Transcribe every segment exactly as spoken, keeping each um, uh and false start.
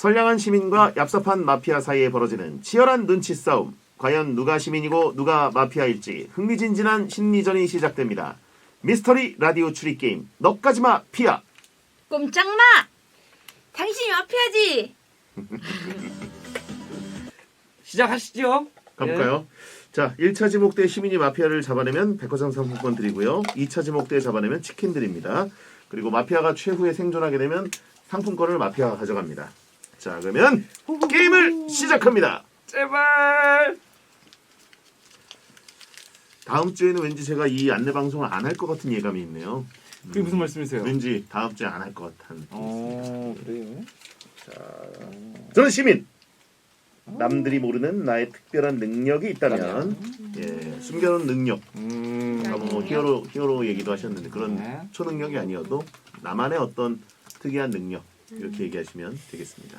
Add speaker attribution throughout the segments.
Speaker 1: 선량한 시민과 얍삽한 마피아 사이에 벌어지는 치열한 눈치 싸움. 과연 누가 시민이고 누가 마피아일지 흥미진진한 심리전이 시작됩니다. 미스터리 라디오 추리 게임 너까지마 피아.
Speaker 2: 꼼짝마! 당신이 마피아지!
Speaker 3: 시작하시죠.
Speaker 1: 가볼까요? 예. 자, 일 차 지목대 시민이 마피아를 잡아내면 백화점 상품권 드리고요. 이 차 지목대 잡아내면 치킨 드립니다. 그리고 마피아가 최후에 생존하게 되면 상품권을 마피아가 가져갑니다. 자, 그러면 게임을 시작합니다.
Speaker 3: 제발.
Speaker 1: 다음 주에는 왠지 제가 이 안내 방송을 안 할 것 같은 예감이 있네요.
Speaker 3: 그게 무슨 말씀이세요?
Speaker 1: 왠지 다음 주에 안 할 것 같은.
Speaker 3: 어, 그래요?
Speaker 1: 자, 저는 시민. 남들이 모르는 나의 특별한 능력이 있다면, 예, 숨겨놓은 능력.
Speaker 3: 음.
Speaker 1: 아까 뭐 히어로 히어로 얘기도 하셨는데 그런
Speaker 3: 네.
Speaker 1: 초능력이 아니어도 나만의 어떤 특이한 능력 이렇게 얘기하시면 되겠습니다.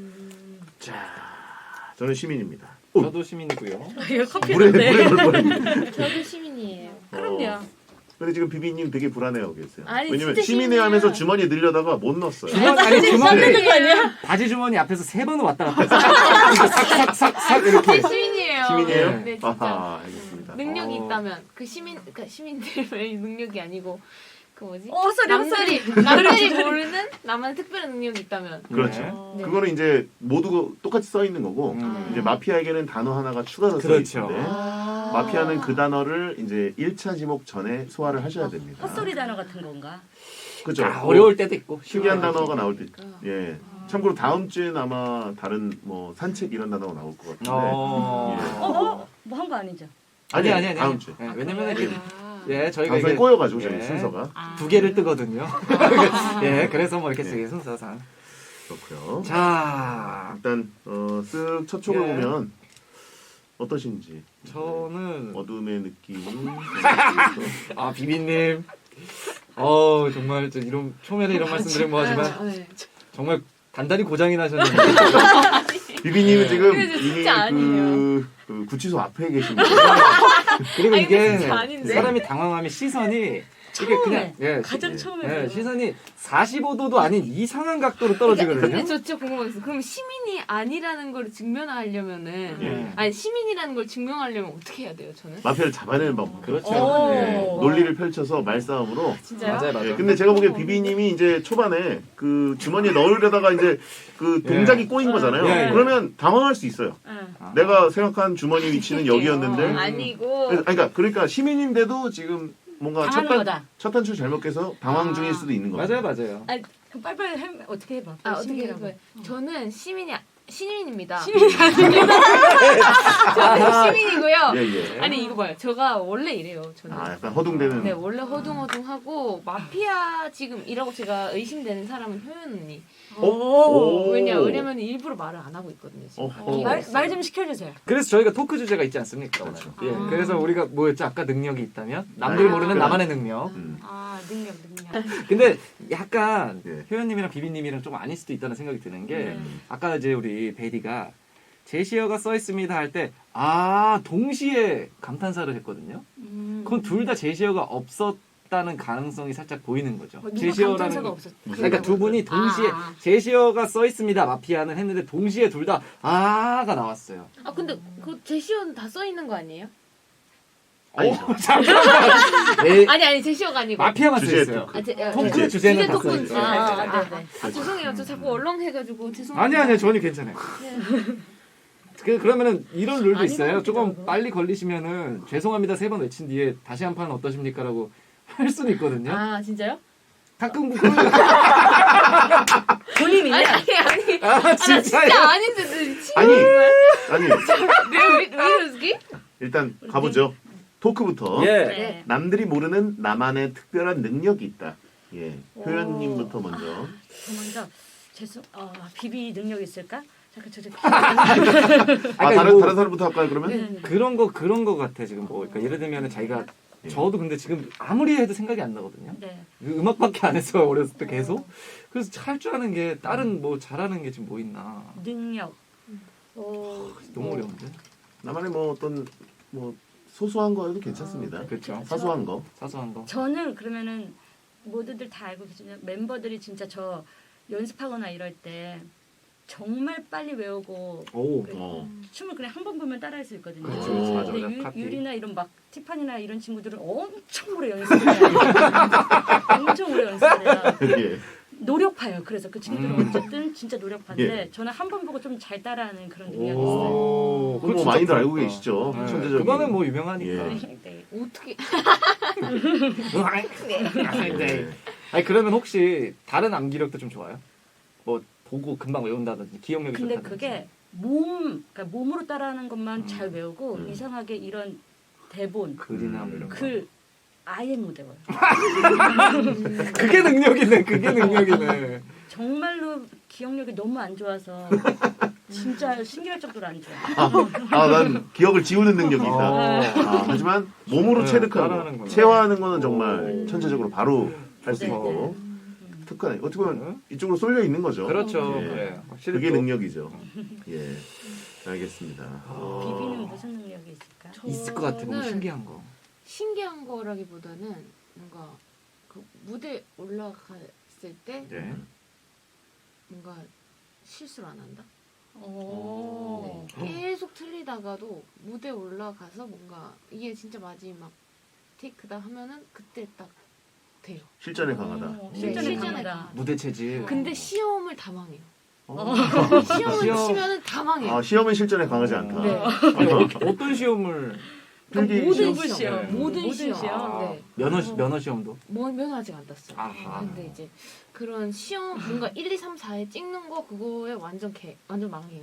Speaker 1: 자, 저는 시민입니다. 오,
Speaker 3: 저도 시민이고요.
Speaker 2: 이거
Speaker 1: 물에
Speaker 2: 커피인데.
Speaker 1: 물에 넣을 뻔했네.
Speaker 2: 저도 시민이에요. 그럼요.
Speaker 1: 어. 근데 지금 비비님 되게 불안해하고 계세요.
Speaker 2: 아니,
Speaker 1: 왜냐면
Speaker 2: 진짜
Speaker 1: 시민회
Speaker 2: 시민이야.
Speaker 1: 하면서 주머니에 늘려다가 못 넣었어요.
Speaker 3: 주머니 아니 주머니
Speaker 2: 는 거 아니야?
Speaker 3: 바지 주머니 앞에서 세 번은 왔다 갔다 했어요. 싹싹싹싹 이렇게.
Speaker 4: 시민이에요.
Speaker 1: 시민이에요?
Speaker 4: 네, 진짜.
Speaker 1: 아하, 알겠습니다.
Speaker 4: 능력이
Speaker 3: 어.
Speaker 4: 있다면 그 시민, 그 시민들의 능력이 아니고 그 뭐지?
Speaker 2: 어, 헛소리,
Speaker 4: 남들이 남들이 모르는 나만의 특별한 능력이 있다면.
Speaker 1: 그렇죠.
Speaker 4: 네.
Speaker 1: 그거는 이제 모두 똑같이 써 있는 거고
Speaker 3: 음.
Speaker 1: 이제 마피아에게는 단어 하나가 추가로 써
Speaker 3: 그렇죠.
Speaker 1: 있는데
Speaker 4: 아.
Speaker 1: 마피아는 그 단어를 이제 일 차 지목 전에 소화를 하셔야 됩니다.
Speaker 5: 헛소리 단어 같은 건가?
Speaker 1: 그죠?
Speaker 3: 아, 어려울 때도 있고
Speaker 1: 특이한
Speaker 3: 쉬운
Speaker 1: 단어가 나올 때,
Speaker 4: 그러니까.
Speaker 1: 예. 참고로 다음 주에는 아마 다른 뭐 산책 이런 단어가 나올 것 같은데.
Speaker 3: 어.
Speaker 1: 예.
Speaker 5: 어? 어? 뭐 한 거 아니죠?
Speaker 3: 아니 아니 아니.
Speaker 1: 다음 주에.
Speaker 3: 네, 왜냐면 이렇게
Speaker 4: 아.
Speaker 3: 예 저희가
Speaker 1: 방송에
Speaker 3: 이게
Speaker 1: 꼬여가지고 저희
Speaker 3: 예.
Speaker 1: 순서가
Speaker 5: 아.
Speaker 3: 두 개를 뜨거든요. 예 그래서 뭐 이렇게
Speaker 1: 예.
Speaker 3: 되게 순서상.
Speaker 1: 그렇고요.
Speaker 3: 자
Speaker 1: 일단 어, 쓱 첫 촉을
Speaker 3: 예.
Speaker 1: 보면 어떠신지.
Speaker 3: 저는
Speaker 1: 어둠의 느낌.
Speaker 3: 아 비비님. 어 정말 저 이런 초면에 이런 말씀드리면 뭐하지만
Speaker 4: 네.
Speaker 3: 정말 단단히 고장이 나셨는데.
Speaker 1: 비비님은 지금
Speaker 4: 근데
Speaker 1: 이미
Speaker 4: 진짜 아니에요.
Speaker 1: 그, 그 구치소 앞에 계십니다.
Speaker 3: 그리고
Speaker 4: 아니, 근데
Speaker 3: 이게
Speaker 4: 진짜 아닌데.
Speaker 3: 사람이 당황하면 시선이 이게 그냥 예,
Speaker 5: 가장
Speaker 3: 시,
Speaker 5: 처음에
Speaker 3: 예,
Speaker 5: 그래요.
Speaker 3: 시선이 사십오 도도 아닌 이상한 각도로 떨어지거든요.
Speaker 4: 근데 저 진짜 궁금했어. 그럼 시민이 아니라는 걸 증명하려면은
Speaker 1: 예.
Speaker 4: 아니 시민이라는 걸 증명하려면 어떻게 해야 돼요? 저는?
Speaker 1: 마피아를 잡아내는 방법.
Speaker 3: 그렇죠.
Speaker 5: 오.
Speaker 3: 예.
Speaker 1: 논리를 펼쳐서 말싸움으로.
Speaker 4: 진짜요?
Speaker 3: 맞아요, 맞아요.
Speaker 1: 예, 근데 제가 보기엔 비비님이 이제 초반에 그 주머니에 넣으려다가 이제 그 동작이
Speaker 3: 예.
Speaker 1: 꼬인 거잖아요.
Speaker 3: 예, 예.
Speaker 1: 그러면 당황할 수 있어요.
Speaker 5: 응.
Speaker 3: 아.
Speaker 1: 내가 생각한 주머니 위치는 여기였는데.
Speaker 4: 어, 아니고
Speaker 1: 그래서- 아니, 그러니까, 그러니까 시민인데도 지금 뭔가 첫,
Speaker 5: 당하는
Speaker 1: 단,
Speaker 5: 거다.
Speaker 1: 첫 단추 잘못 깨서 당황 중일 수도 있는 거예요.
Speaker 3: 맞아요, 맞아요.
Speaker 5: 그럼 빨리빨리 해, 어떻게 해봐.
Speaker 4: 아 어떻게
Speaker 5: 시민이라고.
Speaker 4: 해요? 저는 시민이 아- 시민입니다.
Speaker 5: 시민이
Speaker 4: 저는 시민이고요.
Speaker 1: 예, 예.
Speaker 4: 아니 이거 봐요. 제가 원래 이래요. 저는.
Speaker 1: 아, 약간 허둥대는.
Speaker 4: 네 원래 허둥허둥하고 마피아 지금이라고 제가 의심되는 사람은 효연 언니.
Speaker 1: 오. 오.
Speaker 4: 왜냐 왜냐면 일부러 말을 안 하고 있거든요. 지금.
Speaker 1: 어허.
Speaker 5: 말 좀 시켜주세요.
Speaker 3: 그래서 저희가 토크 주제가 있지 않습니까? 오늘?
Speaker 1: 그렇죠.
Speaker 3: 예,
Speaker 4: 아.
Speaker 3: 그래서 우리가 뭐였죠? 아까 능력이 있다면 남들이
Speaker 1: 아.
Speaker 3: 모르는 나만의 능력.
Speaker 1: 음.
Speaker 5: 아 능력 능력.
Speaker 3: 근데 약간
Speaker 1: 예.
Speaker 3: 효연님이랑 비비님이랑 좀 아닐 수도 있다는 생각이 드는 게
Speaker 1: 음.
Speaker 3: 아까 이제 우리 베디가 제시어가 써 있습니다 할 때 아 동시에 감탄사를 했거든요.
Speaker 5: 음.
Speaker 3: 그건 둘 다 제시어가 없었다는 가능성이 살짝 보이는 거죠.
Speaker 5: 뭐 누가
Speaker 3: 제시어라는
Speaker 5: 감탄사가
Speaker 3: 거-
Speaker 5: 없었.
Speaker 3: 그러니까 두 분이 동시에
Speaker 5: 아, 아.
Speaker 3: 제시어가 써 있습니다 마피아는 했는데 동시에 둘 다 아가 나왔어요.
Speaker 4: 아 근데 그 제시어는 다 써 있는 거 아니에요?
Speaker 1: 아니,
Speaker 3: 오, 잠깐만. 네,
Speaker 4: 아니 아니 제시어가 아니고.
Speaker 3: 마피아만 써
Speaker 1: 주제
Speaker 3: 있어요.
Speaker 1: 토크.
Speaker 4: 아, 제, 아,
Speaker 3: 토크
Speaker 4: 네.
Speaker 3: 주제는
Speaker 4: 주제
Speaker 3: 다
Speaker 4: 토크는
Speaker 3: 써 있어요.
Speaker 4: 아,
Speaker 3: 네,
Speaker 4: 아,
Speaker 3: 네,
Speaker 4: 아,
Speaker 5: 네.
Speaker 4: 아, 죄송해요. 저 자꾸 얼렁해가지고 죄송해요.
Speaker 3: 아니 아니요 전혀 괜찮아요. 그 그러면은 이런 룰도
Speaker 5: 아닌
Speaker 3: 있어요.
Speaker 5: 것 같기도
Speaker 3: 조금
Speaker 5: 하고.
Speaker 3: 빨리 걸리시면은 죄송합니다 세 번 외친 뒤에 다시 한 판 어떠십니까라고 할 수도 있거든요.
Speaker 4: 아 진짜요?
Speaker 3: 가끔 그걸
Speaker 5: 본인이냐?
Speaker 4: 아니 아니 아니.
Speaker 3: 아
Speaker 4: 아, 나
Speaker 3: 진짜요?
Speaker 4: 진짜 아닌데 너 친구
Speaker 1: 아니, 아니,
Speaker 4: 왜 이러지?
Speaker 1: 일단 가보죠. 토크부터.
Speaker 3: 예.
Speaker 5: 네.
Speaker 1: 남들이 모르는 나만의 특별한 능력이 있다. 예. 효연님부터 먼저.
Speaker 5: 저 먼저 죄송. 어 비비 능력 있을까? 잠깐 저 저.
Speaker 1: 아,
Speaker 3: 아까
Speaker 1: 다른,
Speaker 3: 뭐-
Speaker 1: 다른 사람부터 할까요, 그러면?
Speaker 5: 네.
Speaker 3: 그런 거 그런 거 같아 지금 뭐 그러니까 예를 들면은 자기가
Speaker 1: 예.
Speaker 3: 저도 근데 지금 아무리 해도 생각이 안 나거든요.
Speaker 5: 네.
Speaker 3: 그 음악밖에 안 했어 어렸을 때 계속. 그래서 할 줄 아는 게 다른 뭐 잘하는 게 지금 뭐 있나.
Speaker 5: 능력.
Speaker 4: 어,
Speaker 3: 너무 어려운데.
Speaker 1: 나만의 뭐 어떤, 뭐, 소소한 거여도 괜찮습니다.
Speaker 3: 그렇죠.
Speaker 1: 사소한 거.
Speaker 3: 사소한 거.
Speaker 5: 저는 그러면은 모두들 다 알고 계시죠. 멤버들이 진짜 저 연습하거나 이럴 때 정말 빨리 외우고
Speaker 3: 오.
Speaker 5: 그래.
Speaker 1: 어.
Speaker 5: 춤을 그냥 한 번 보면 따라할 수 있거든요.
Speaker 3: 그렇죠.
Speaker 1: 오.
Speaker 3: 맞아,
Speaker 5: 근데
Speaker 3: 맞아.
Speaker 5: 유,
Speaker 3: 카피.
Speaker 5: 유리나 이런 막 티파니나 이런 친구들은 엄청 오래 연습을 해요. 엄청 오래 연습해요.
Speaker 1: 예.
Speaker 5: 노력파요. 그래서 그 친구들은
Speaker 3: 음.
Speaker 5: 어쨌든 진짜 노력파인데
Speaker 1: 예.
Speaker 5: 저는 한 번 보고 좀 잘 따라하는 그런 능력이 있어요.
Speaker 3: 오.
Speaker 1: 그거 뭐
Speaker 3: 진짜
Speaker 1: 많이들 알고
Speaker 3: 부럽다.
Speaker 1: 계시죠.
Speaker 3: 네.
Speaker 1: 천재적인.
Speaker 3: 그거는 뭐 유명하니까.
Speaker 1: 예.
Speaker 5: 네.
Speaker 4: 어떻게
Speaker 3: 네. 아니 그러면 혹시 다른 암기력도 좀 좋아요? 뭐 보고 금방 외운다든지 기억력이
Speaker 5: 근데
Speaker 3: 좋다든지.
Speaker 5: 그게 몸, 그러니까 몸으로 따라하는 것만
Speaker 3: 음.
Speaker 5: 잘 외우고
Speaker 1: 음.
Speaker 5: 이상하게 이런 대본,
Speaker 3: 글이나 뭐 이런 거.
Speaker 5: 글 아예 못 외워요.
Speaker 3: 그게 능력이네. 그게 능력이네.
Speaker 5: 정말로 기억력이 너무 안 좋아서 진짜 신기할 정도로 안 좋아요.
Speaker 1: 아, 난 기억을 지우는 능력이 있다.
Speaker 3: 어.
Speaker 1: 아, 하지만 몸으로
Speaker 3: 네,
Speaker 1: 체득하고
Speaker 3: 따라하는구나.
Speaker 1: 체화하는 거는 정말
Speaker 3: 오.
Speaker 1: 천재적으로 바로 할 수
Speaker 5: 네,
Speaker 1: 있고
Speaker 5: 네.
Speaker 1: 특허네. 어떻게 보면 이쪽으로 쏠려 있는 거죠.
Speaker 3: 그렇죠.
Speaker 1: 예.
Speaker 3: 그래. 확실히
Speaker 1: 그게
Speaker 3: 또
Speaker 1: 능력이죠. 예, 알겠습니다. 어.
Speaker 5: 비비는 무슨 능력이 있을까?
Speaker 3: 있을 것 같아. 너무
Speaker 4: 저는
Speaker 3: 신기한 거.
Speaker 4: 신기한 거라기보다는 뭔가 그 무대 올라갔을 때
Speaker 3: 네.
Speaker 4: 뭔가 실수를 안 한다.
Speaker 5: 오.
Speaker 4: 네. 계속 틀리다가도 무대 올라가서 뭔가 이게 진짜 마지막 테이크다 하면은 그때 딱 돼요.
Speaker 1: 실전에 강하다.
Speaker 5: 오,
Speaker 4: 네,
Speaker 5: 실전에
Speaker 4: 실전에
Speaker 5: 강하다.
Speaker 4: 강하다.
Speaker 3: 무대 체질.
Speaker 4: 근데 시험을 다 망해요.
Speaker 1: 어.
Speaker 4: 시험을
Speaker 3: 시험.
Speaker 4: 치면은 다 망해요.
Speaker 1: 아, 시험은 실전에 강하지 않다.
Speaker 4: 네.
Speaker 3: 아니, 어, 어떤 시험을
Speaker 4: 그러니까
Speaker 1: 필기
Speaker 4: 모든
Speaker 5: 시험.
Speaker 4: 시험,
Speaker 3: 네.
Speaker 4: 모든
Speaker 5: 모든
Speaker 4: 시험.
Speaker 5: 시험.
Speaker 4: 네.
Speaker 3: 면허 시- 면허 시험도.
Speaker 4: 뭐 면허 아직 안 땄어요.
Speaker 3: 아하.
Speaker 4: 근데 이제 그런 시험 뭔가 일, 이, 삼, 사에 찍는 거 그거에 완전 개 완전 망해요.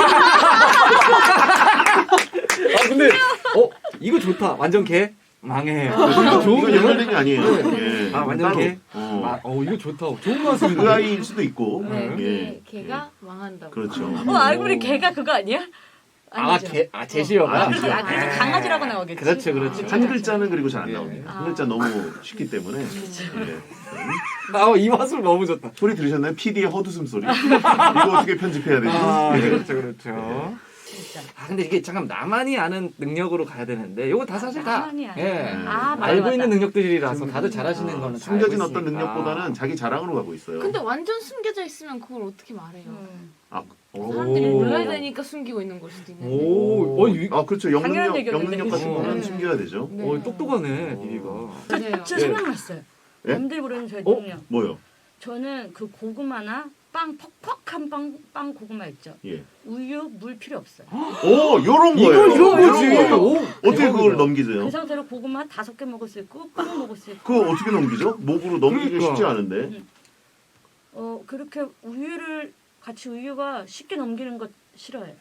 Speaker 3: 아 근데 어 이거 좋다. 완전 개 망해.
Speaker 1: 이거
Speaker 3: 이거 좋은
Speaker 1: 이건
Speaker 3: 게
Speaker 1: 연결된 아니에요. 예.
Speaker 3: 아, 완전
Speaker 1: 따로.
Speaker 3: 개?
Speaker 1: 어.
Speaker 3: 아, 어 이거 좋다. 좋은 말씀인데.
Speaker 1: 그 아이일 수도 있고.
Speaker 4: 네,
Speaker 3: 음.
Speaker 4: 걔,
Speaker 1: 예.
Speaker 4: 걔가 망한다고.
Speaker 1: 그렇죠.
Speaker 5: 어, 알고 보니 걔가 그거 아니야?
Speaker 3: 아,
Speaker 5: 아니죠.
Speaker 3: 개, 아, 제시어가?
Speaker 1: 아,
Speaker 5: 아, 그래서 아, 그래서
Speaker 3: 아.
Speaker 5: 강아지라고 나오겠지.
Speaker 3: 그렇죠, 그렇죠.
Speaker 1: 한 글자는 그리고 잘 안
Speaker 3: 예.
Speaker 1: 나옵니다.
Speaker 5: 아.
Speaker 1: 한 글자 너무 쉽기 때문에. 예.
Speaker 3: 아, 어, 이 맛을 너무 좋다.
Speaker 1: 소리 들으셨나요? 피디의 헛웃음 소리. 이거 어떻게 편집해야 되지?
Speaker 3: 아,
Speaker 1: 예.
Speaker 3: 그렇죠, 그렇죠.
Speaker 5: 진짜.
Speaker 3: 아, 근데 이게 잠깐 나만이 아는 능력으로 가야 되는데, 이거 다 사실 다.
Speaker 5: 나만이 아는.
Speaker 3: 예.
Speaker 5: 아, 맞아,
Speaker 3: 알고
Speaker 5: 맞아.
Speaker 3: 있는 능력들이라서 다들 잘하시는
Speaker 1: 아,
Speaker 3: 거는 다
Speaker 1: 숨겨진
Speaker 3: 알고
Speaker 1: 어떤
Speaker 3: 있으니까.
Speaker 1: 능력보다는 자기 자랑으로 가고 있어요.
Speaker 4: 근데 완전 숨겨져 있으면 그걸 어떻게 말해요?
Speaker 5: 음.
Speaker 1: 아,
Speaker 4: 사람들이
Speaker 3: 오.
Speaker 4: 몰라야 되니까 숨기고 있는 걸 수도 있는데.
Speaker 3: 오, 어, 이,
Speaker 1: 아 그렇죠.
Speaker 5: 당연한
Speaker 1: 영능력,
Speaker 5: 얘기였는데,
Speaker 1: 영능력 같은
Speaker 3: 그치?
Speaker 1: 거는
Speaker 4: 네.
Speaker 1: 숨겨야 되죠.
Speaker 4: 네.
Speaker 3: 어, 똑똑하네, 비비가.
Speaker 4: 맞아요.
Speaker 5: 저
Speaker 3: 예.
Speaker 5: 생각났어요.
Speaker 1: 예?
Speaker 5: 남들 모르는 저의
Speaker 3: 어?
Speaker 5: 능력.
Speaker 1: 뭐요?
Speaker 5: 저는 그 고구마나 빵 퍽퍽한 빵, 빵 고구마 있죠.
Speaker 1: 예.
Speaker 5: 우유, 물 필요 없어요.
Speaker 1: 오, 요런
Speaker 3: 이거
Speaker 1: 거예요.
Speaker 3: 이런 거지.
Speaker 1: 거예요.
Speaker 3: 오,
Speaker 1: 어떻게
Speaker 3: 대박이다.
Speaker 1: 그걸 넘기세요?
Speaker 5: 그 상태로 고구마 다섯 개 먹을 수 있고 빵 먹을 수 있고.
Speaker 1: 그거 어떻게 넘기죠? 목으로 넘기기
Speaker 3: 그러니까.
Speaker 1: 쉽지 않은데.
Speaker 5: 어 그렇게 우유를 같이 우유가 쉽게 넘기는 것 싫어해요.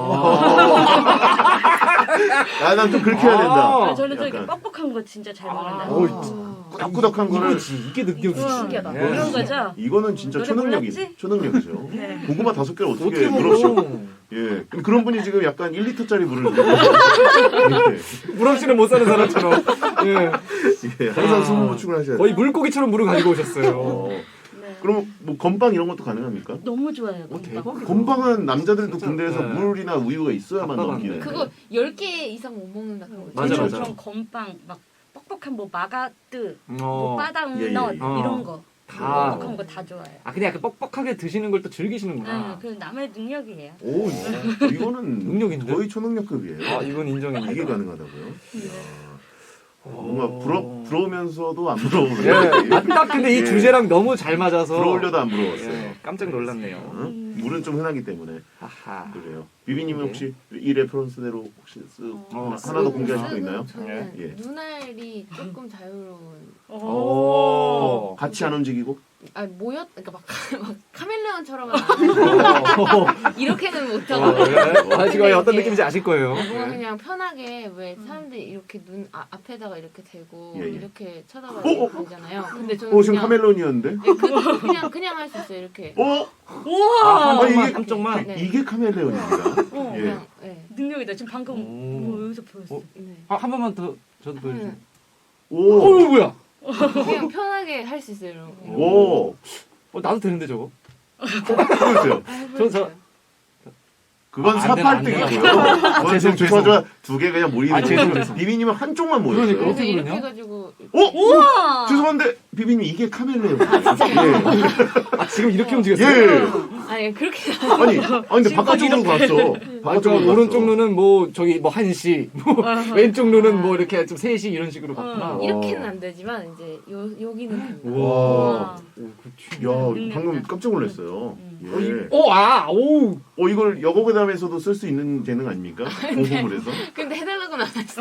Speaker 1: 아, 난 좀 그렇게 해야 된다.
Speaker 3: 아.
Speaker 5: 아, 저는 저 이렇게
Speaker 1: 약간.
Speaker 5: 뻑뻑한 거 진짜 잘 먹는다.
Speaker 3: 아.
Speaker 1: 오,
Speaker 4: 아.
Speaker 1: 꾸덕꾸덕한 거를
Speaker 3: 이거지. 이게 능력이지.
Speaker 5: 우와,
Speaker 4: 신기하다.
Speaker 3: 예.
Speaker 5: 이런 거죠.
Speaker 1: 이거는 진짜
Speaker 5: 너네
Speaker 1: 초능력이
Speaker 5: 몰랐지?
Speaker 1: 초능력이죠.
Speaker 5: 네.
Speaker 1: 고구마 다섯 개를 어떻게
Speaker 3: 어떻게
Speaker 1: 물없이
Speaker 3: 먹어?
Speaker 1: 예. 근데 그런 분이 지금 약간 일 리터짜리 물을 이렇게
Speaker 3: 물 없이는 못 사는 사람처럼. 예.
Speaker 1: 예, 항상
Speaker 3: 아.
Speaker 1: 수분 보충을 하셔야 돼요.
Speaker 3: 거의 물고기처럼 물을 가지고 오셨어요.
Speaker 1: 어,
Speaker 5: 네.
Speaker 1: 그럼 뭐 건빵 이런 것도 가능합니까?
Speaker 5: 너무 좋아요.
Speaker 3: 어,
Speaker 5: 건빵.
Speaker 3: 대박이다.
Speaker 1: 건빵은 남자들도
Speaker 3: 진짜,
Speaker 1: 군대에서
Speaker 3: 네.
Speaker 1: 물이나 우유가 있어야만
Speaker 3: 답답한데.
Speaker 1: 넘기는데.
Speaker 4: 그거 열 개 이상 못 먹는다 그런 거
Speaker 3: 맞아,
Speaker 5: 저는
Speaker 3: 맞아.
Speaker 5: 그런 건빵 막 뻑뻑한 뭐 마가뜨,
Speaker 3: 어.
Speaker 5: 뭐 바다우넛
Speaker 1: 예, 예, 예.
Speaker 5: 이런 거.
Speaker 3: 다.
Speaker 5: 뻑뻑한 거 다 좋아해요.
Speaker 3: 아, 그냥 약간 뻑뻑하게 드시는 걸 또 즐기시는구나.
Speaker 5: 네, 그 남의 능력이에요.
Speaker 1: 오, 이거는
Speaker 3: 능력인데?
Speaker 1: 거의 초능력급이에요.
Speaker 3: 아, 이건 인정입니다.
Speaker 1: 이게 가능하다고요?
Speaker 5: 네.
Speaker 1: 뭔가 부러, 부러우면서도 안 부러우는.
Speaker 3: 예. 아, 딱 근데 이
Speaker 1: 예.
Speaker 3: 주제랑 너무 잘 맞아서.
Speaker 1: 부러우려도 안 부러웠어요.
Speaker 3: 예, 깜짝 놀랐네요.
Speaker 1: 어? 물은 좀 흔하기 때문에
Speaker 3: 하하.
Speaker 1: 그래요. 비비님은
Speaker 3: 네.
Speaker 1: 혹시 이 레퍼런스대로 혹시 쓰,
Speaker 3: 어,
Speaker 1: 하나 더 공개하실 거
Speaker 4: 쓰고
Speaker 1: 있나요?
Speaker 4: 저는
Speaker 1: 예.
Speaker 4: 눈알이 조금 자유로운.
Speaker 3: 오.
Speaker 1: 같이 안 움직이고?
Speaker 4: 아 모였 그러니까 막, 막 카멜레온처럼은 안 하고
Speaker 3: 어.
Speaker 4: 이렇게는
Speaker 3: 어,
Speaker 4: 못하고.
Speaker 3: 예. 아, 지금 어떤
Speaker 4: 이게
Speaker 3: 느낌인지 아실 거예요.
Speaker 4: 뭔가
Speaker 3: 예.
Speaker 4: 그냥 편하게 왜 사람들이 이렇게 눈 아, 앞에다가 이렇게 대고
Speaker 1: 예, 예.
Speaker 4: 이렇게 쳐다봐야
Speaker 1: 어, 어,
Speaker 4: 되잖아요. 근데 저는
Speaker 1: 어, 지금
Speaker 4: 그냥
Speaker 1: 카멜론이었는데?
Speaker 4: 네, 그, 그냥 그냥 할 수 있어요. 이렇게.
Speaker 1: 어?
Speaker 5: 우와!
Speaker 3: 아,
Speaker 1: 아,
Speaker 3: 한쪽만,
Speaker 1: 이게-
Speaker 3: 한쪽만.
Speaker 4: 네.
Speaker 1: 이게 카멜레온입니다.
Speaker 5: 어,
Speaker 1: 예.
Speaker 4: 그냥 네.
Speaker 5: 능력이다. 지금 방금
Speaker 3: 오.
Speaker 5: 뭐 여기서 보였어.
Speaker 3: 어?
Speaker 4: 네.
Speaker 3: 아, 한 번만 더 저도 보여주세요.
Speaker 4: 음.
Speaker 1: 오!
Speaker 3: 어, 뭐야?
Speaker 4: 그냥 편하게 할 수 있어요. 이런 거.
Speaker 1: 오!
Speaker 3: 어, 나도 되는데 저거.
Speaker 1: 보여주세요.
Speaker 4: 아, 해보여줘요.
Speaker 3: 저, 저,
Speaker 1: 그건
Speaker 3: 아, 안 되나, 안
Speaker 1: 사팔등이고요.
Speaker 3: 되나.
Speaker 1: 그건
Speaker 3: 죄송,
Speaker 1: 지금
Speaker 3: 죄송.
Speaker 1: 주사자 두 개 그냥 모이는
Speaker 3: 아, 죄송,
Speaker 1: 거예요.
Speaker 3: 죄송.
Speaker 1: 비비님은 한쪽만 모였어요.
Speaker 3: 그러니까.
Speaker 4: 그래서
Speaker 3: 어떻게
Speaker 4: 이렇게
Speaker 3: 그러냐?
Speaker 4: 해가지고
Speaker 1: 어?
Speaker 5: 우와!
Speaker 1: 죄송한데 비비님 이게 카멜레온. 예.
Speaker 3: 아, 지금 이렇게
Speaker 4: 어.
Speaker 3: 움직였어요?
Speaker 1: 예.
Speaker 4: 아니 그렇게
Speaker 1: 아니, 아 근데 바깥쪽으로 갔어.
Speaker 3: 아,
Speaker 1: 바깥쪽으로
Speaker 3: 오른쪽
Speaker 1: 갔어.
Speaker 3: 눈은 뭐 저기 뭐 한 시, 뭐 왼쪽 눈은 뭐 이렇게 좀 세 시 이런 식으로 갔구나.
Speaker 1: 어.
Speaker 4: 이렇게는 안 되지만 이제 요 여기는 됩니다.
Speaker 3: 우와.
Speaker 1: 야, 방금 깜짝 놀랐어요. 예.
Speaker 3: 오, 아, 오.
Speaker 1: 어, 이걸 여고괴담에서도 쓸 수 있는 재능 아닙니까? 공부를 해서.
Speaker 4: 근데 해달라고는 안 했어.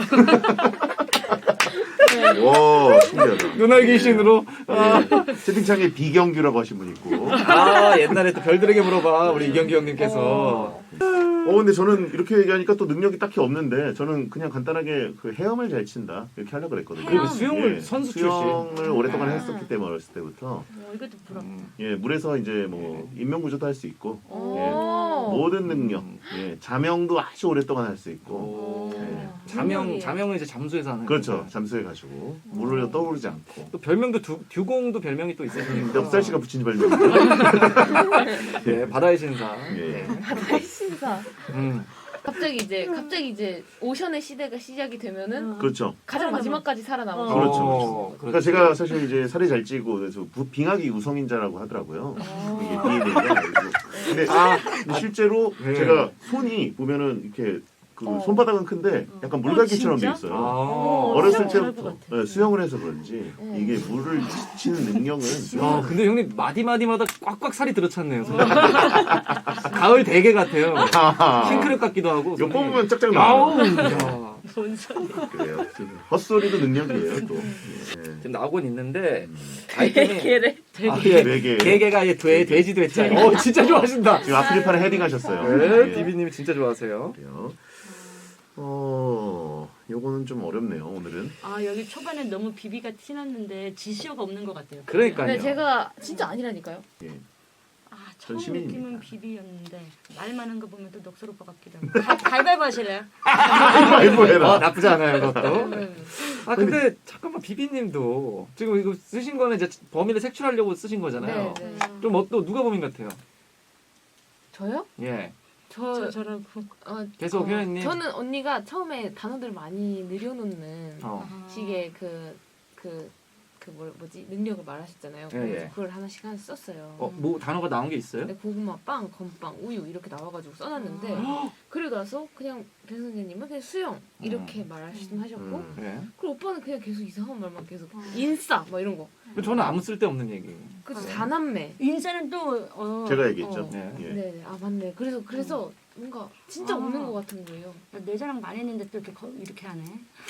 Speaker 1: 와, 신기하다.
Speaker 3: 눈알 귀신으로. 아,
Speaker 1: 예. 채팅창에 비경규라고 하신 분 있고.
Speaker 3: 아, 옛날에 또 별들에게 물어봐 우리 이경규 형님께서.
Speaker 1: 어, 근데 저는 이렇게 얘기하니까 또 능력이 딱히 없는데, 저는 그냥 간단하게 그 헤엄을 잘 친다. 이렇게 하려고 그랬거든요.
Speaker 3: 그리고 수영을
Speaker 1: 예.
Speaker 3: 선수 출신.
Speaker 1: 수영을 오랫동안 했었기 때문에 어렸을 때부터.
Speaker 5: 어, 이것도 부럽다.
Speaker 1: 예, 물에서 이제 뭐, 인명구조도 할 수 있고, 예.
Speaker 4: 오.
Speaker 1: 모든 능력, 예. 자명도 아주 오랫동안 할 수 있고,
Speaker 3: 오.
Speaker 1: 예.
Speaker 3: 자명, 자명은 이제 잠수에서 하는
Speaker 1: 그렇죠.
Speaker 3: 거죠.
Speaker 1: 잠수해 가지고 물을 떠오르지 않고.
Speaker 3: 또 별명도 두, 듀공도 별명이 또 있어요.
Speaker 1: 넉살 씨가 붙인 별명이죠.
Speaker 3: 예, 바다의 신사.
Speaker 1: 예.
Speaker 4: 바다의 신사.
Speaker 3: 음.
Speaker 4: 갑자기 이제 갑자기 이제 오션의 시대가 시작이 되면은
Speaker 1: 그렇죠.
Speaker 4: 가장 마지막까지 살아남았어.
Speaker 1: 그렇죠.
Speaker 3: 어,
Speaker 1: 그러니까 제가 사실 이제 살이 잘 찌고 그래서 부- 빙하기 우성인자라고 하더라고요. 이게 디엔에이가. 근데
Speaker 3: 아,
Speaker 1: 실제로
Speaker 3: 네.
Speaker 1: 제가 손이 보면은 이렇게 그
Speaker 5: 어.
Speaker 1: 손바닥은 큰데 약간 물갈기처럼 돼
Speaker 5: 진짜?
Speaker 1: 있어요.
Speaker 3: 아.
Speaker 1: 어렸을
Speaker 5: 수영 잘할
Speaker 1: 때부터
Speaker 5: 것 같아.
Speaker 1: 네, 수영을 해서 그런지
Speaker 4: 음.
Speaker 1: 이게 물을 치는 능력은
Speaker 3: 야, 근데 형님 마디마디마다 꽉꽉 살이 들어찼네요. 손에. 가을 대게 같아요. 킹크랩 같기도 하고.
Speaker 1: 요 뽑으면 짝짝
Speaker 3: 아우.
Speaker 1: 나와요.
Speaker 3: 야.
Speaker 5: 뭔 소리.
Speaker 1: 그래요. 헛소리도 능력이에요 또. 예.
Speaker 3: 지금 나오곤 있는데 아이템이
Speaker 5: 개래.
Speaker 3: 아, 예.
Speaker 1: 되게
Speaker 3: 개개가 예, 돼, 돼지도 했잖아요. 어, 진짜 좋아하신다.
Speaker 1: 지금 아프리카를 헤딩하셨어요.
Speaker 3: 네,
Speaker 1: 예.
Speaker 3: 비비님이 진짜 좋아하세요.
Speaker 1: 그래요. 어, 요거는 좀 어렵네요, 오늘은.
Speaker 5: 아 여기 초반에 너무 비비가 티났는데 지시어가 없는 것 같아요.
Speaker 3: 그러니까요.
Speaker 4: 근데 제가 진짜 아니라니까요.
Speaker 1: 예.
Speaker 5: 아 처음
Speaker 1: 전시민입니다.
Speaker 5: 느낌은 비비였는데 말 많은 거 보면 또 넉살 오빠 같기도 하고. 가- 가위바위보 하실래요?
Speaker 1: 아이고,
Speaker 3: 어,
Speaker 1: 해라.
Speaker 3: 나쁘지 않아요, 그것도.
Speaker 4: 네.
Speaker 3: 아, 근데 잠깐만, 비비님도 지금 이거 쓰신 거는 이제 범인을 색출하려고 쓰신 거잖아요.
Speaker 4: 네, 네.
Speaker 3: 좀 어, 또 누가 범인 같아요?
Speaker 4: 저요?
Speaker 3: 예.
Speaker 4: 저,
Speaker 5: 저 저라고.
Speaker 4: 어,
Speaker 3: 계속
Speaker 4: 어,
Speaker 3: 효연님.
Speaker 4: 저는 언니가 처음에 단어들 많이 늘려놓는
Speaker 3: 어.
Speaker 4: 식의 그, 그, 그 뭐, 뭐지 능력을 말하셨잖아요.
Speaker 3: 예,
Speaker 4: 그래서
Speaker 3: 예.
Speaker 4: 그걸 하나씩 하나 썼어요.
Speaker 3: 어, 뭐 단어가 나온 게 있어요?
Speaker 4: 근데 고구마 빵, 건빵, 우유 이렇게 나와가지고 써놨는데 그리고 나서 그냥 배 선생님은 그냥 수영 이렇게 말씀하셨고
Speaker 1: 음.
Speaker 3: 예.
Speaker 4: 그리고 오빠는 그냥 계속 이상한 말만 계속 인싸 막 이런 거.
Speaker 3: 저는 아무 쓸데없는 얘기.
Speaker 4: 그래서 다남매.
Speaker 5: 인사는 또 어,
Speaker 1: 제가 얘기했죠.
Speaker 4: 어.
Speaker 3: 네.
Speaker 1: 예.
Speaker 4: 네, 아 맞네. 그래서 그래서 뭔가 진짜
Speaker 5: 아.
Speaker 4: 없는 것 같은 거예요.
Speaker 5: 내 자랑 많이 했는데 또 이렇게 거- 이렇게 하네.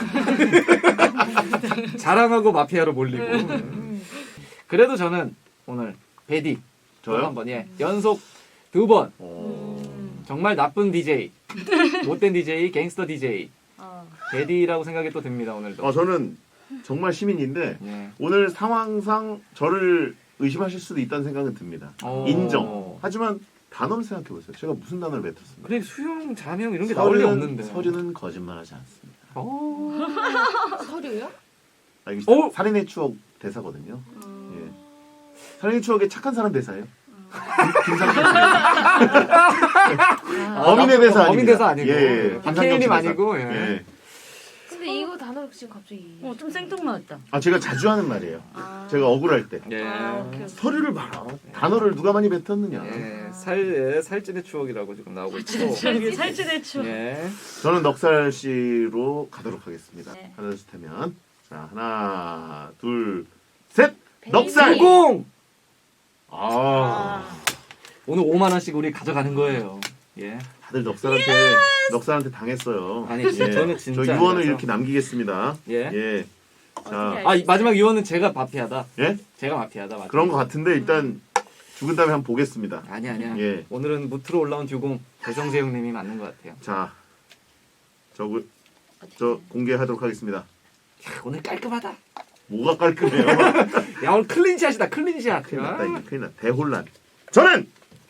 Speaker 3: 자랑하고 마피아로 몰리고.
Speaker 4: 음.
Speaker 3: 그래도 저는 오늘 베디
Speaker 1: 저요?
Speaker 3: 한 번, 예. 연속 두 번.
Speaker 1: 어,
Speaker 3: 정말 나쁜 디제이, 못된 디제이, 갱스터 디제이,
Speaker 5: 어.
Speaker 3: 베디라고 생각이 또 듭니다 오늘도.
Speaker 1: 어, 저는 정말 시민인데
Speaker 3: 예.
Speaker 1: 오늘 상황상 저를 의심하실 수도 있다는 생각은 듭니다.
Speaker 3: 어.
Speaker 1: 인정. 하지만 단어를 생각해 보세요. 제가 무슨 단어를 뱉었습니까?
Speaker 3: 그래 수영, 자명 이런 게 나올 리 없는데.
Speaker 1: 서류는 거짓말하지 않습니다.
Speaker 3: 어.
Speaker 4: 서류요?
Speaker 1: 아, 이거
Speaker 3: 오!
Speaker 1: 살인의 추억 대사거든요. 예. 살인의 추억의 착한 사람 대사예요. 김상철 씨.
Speaker 3: 아,
Speaker 1: 범인의 대사 아닙니다.
Speaker 3: 범인 대사 아니고.
Speaker 1: 예, 예.
Speaker 3: 박해일님
Speaker 1: 김상경 씨 대사.
Speaker 3: 아니고. 예.
Speaker 1: 예.
Speaker 4: 근데 이거 단어를 지금 갑자기
Speaker 5: 어, 좀 생뚱맞았다.
Speaker 1: 아, 제가 자주 하는 말이에요.
Speaker 5: 아.
Speaker 1: 제가 억울할 때.
Speaker 3: 예.
Speaker 5: 아, 오케이, 오케이.
Speaker 1: 서류를 봐라. 단어를 누가 많이 뱉었느냐.
Speaker 3: 예. 살, 예, 살찐의 추억이라고 지금 나오고 있고.
Speaker 5: 저기 살찌대 추.
Speaker 3: 예.
Speaker 1: 저는 넉살 씨로 가도록 하겠습니다.
Speaker 5: 네.
Speaker 1: 하나, 둘, 셋 하면. 자, 하나, 둘, 셋! 넉살!
Speaker 4: 베이비.
Speaker 3: 공!
Speaker 1: 아,
Speaker 3: 오늘 오만 원씩 우리 가져가는 거예요. 예.
Speaker 1: 다들 넉살한테, 넉살한테 당했어요.
Speaker 3: 아니, 진짜 저는 진짜
Speaker 1: 저 유언을
Speaker 3: 아니라서.
Speaker 1: 이렇게 남기겠습니다.
Speaker 3: 예.
Speaker 1: 예. 자,
Speaker 3: 아, 이 마지막 유언은 제가 마피아다.
Speaker 1: 예?
Speaker 3: 제가 마피아다. 맞죠?
Speaker 1: 그런 것 같은데, 일단, 죽은 다음에 한번 보겠습니다.
Speaker 3: 아니 아니야.
Speaker 1: 예.
Speaker 3: 오늘은 무트로 올라온 듀공 배성재 형님이 맞는 것 같아요.
Speaker 1: 자, 저, 그- 저 공개하도록 하겠습니다.
Speaker 3: 야, 오늘 깔끔하다.
Speaker 1: 뭐가 깔끔해요?
Speaker 3: 야 오늘 클린샷이다. 클린샷.
Speaker 1: 큰일 났다, 이거. 큰일 났다. 대혼란. 저는!